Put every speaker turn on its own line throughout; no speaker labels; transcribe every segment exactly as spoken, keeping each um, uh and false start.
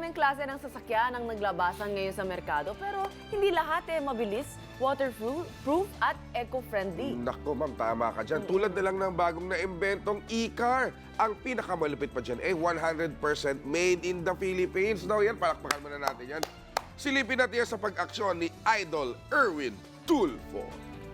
Maraming klase ng sasakyan ang naglabasan ngayon sa merkado pero hindi lahat eh mabilis, waterproof at eco-friendly.
Naku, ma'am, tama ka dyan. Tulad na lang ng bagong na-imbentong e-car. Ang pinakamalupit pa dyan ay one hundred percent made in the Philippines. Daw yan, palakpakan muna natin yan. Silipin natin yan sa pag-aksyon ni Idol Erwin Tulfo.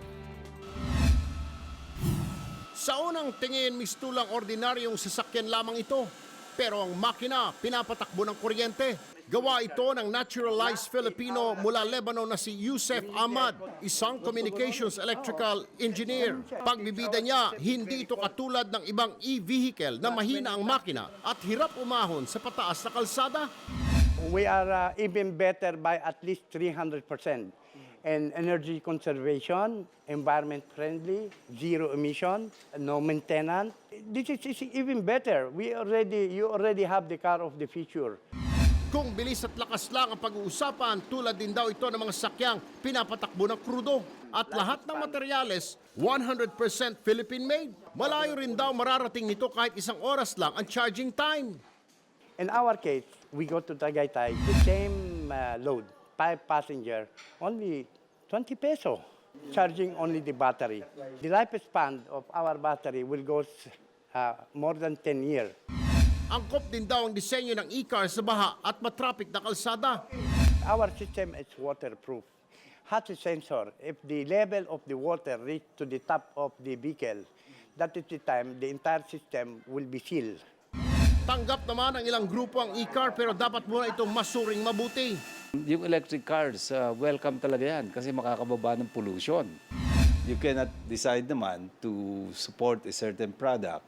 Sa unang tingin, mistulang ordinaryong sasakyan lamang ito. Pero ang makina, pinapatakbo ng kuryente. Gawa ito ng naturalized Filipino mula Lebanon na si Yusef Ahmad, isang communications electrical engineer. Pagbibida niya, hindi ito katulad ng ibang e-vehicle na mahina ang makina at hirap umahon sa pataas na kalsada.
We are uh, even better by at least three hundred percent. And energy conservation, environment friendly, zero emission, no maintenance. This is, is even better. We already, you already have the car of the future.
Kung bilis at lakas lang ang pag-uusapan, tulad din daw ito ng mga sakyang pinapatakbo ng krudo. At lahat ng materyales, one hundred percent Philippine-made. Malayo rin daw mararating nito kahit isang oras lang ang charging time.
In our case, we go to Tagaytay, the same uh, load, five passenger, only twenty peso, charging only the battery. The lifespan of our battery will go uh, more than ten years.
Angkop din daw ang disenyo ng e-car sa baha at matraffic na kalsada.
Our system is waterproof. Has a sensor. If the level of the water reach to the top of the vehicle, that is the time the entire system will be sealed.
Tanggap naman ang ilang grupo ang e-car pero dapat muna itong masuring mabuti.
Yung electric cars, uh, welcome talaga yan kasi makakababa ng pollution.
You cannot decide naman to support a certain product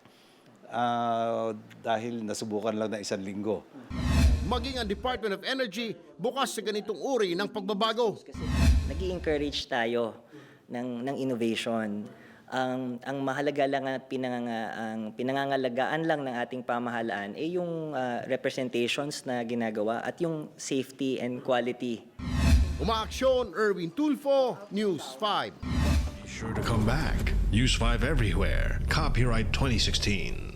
uh, dahil nasubukan lang na isang linggo.
Maging ang Department of Energy bukas sa ganitong uri ng pagbabago.
Nag-i-encourage tayo ng, ng innovation. Ang, ang mahalaga lang at pinanganga, ang pinangangalagaan lang ng ating pamahalaan ay yung uh, representations na ginagawa at yung safety and quality.
Umaaksyon, Erwin Tulfo, News five.
Sure to come back. Use five everywhere. Copyright twenty sixteen.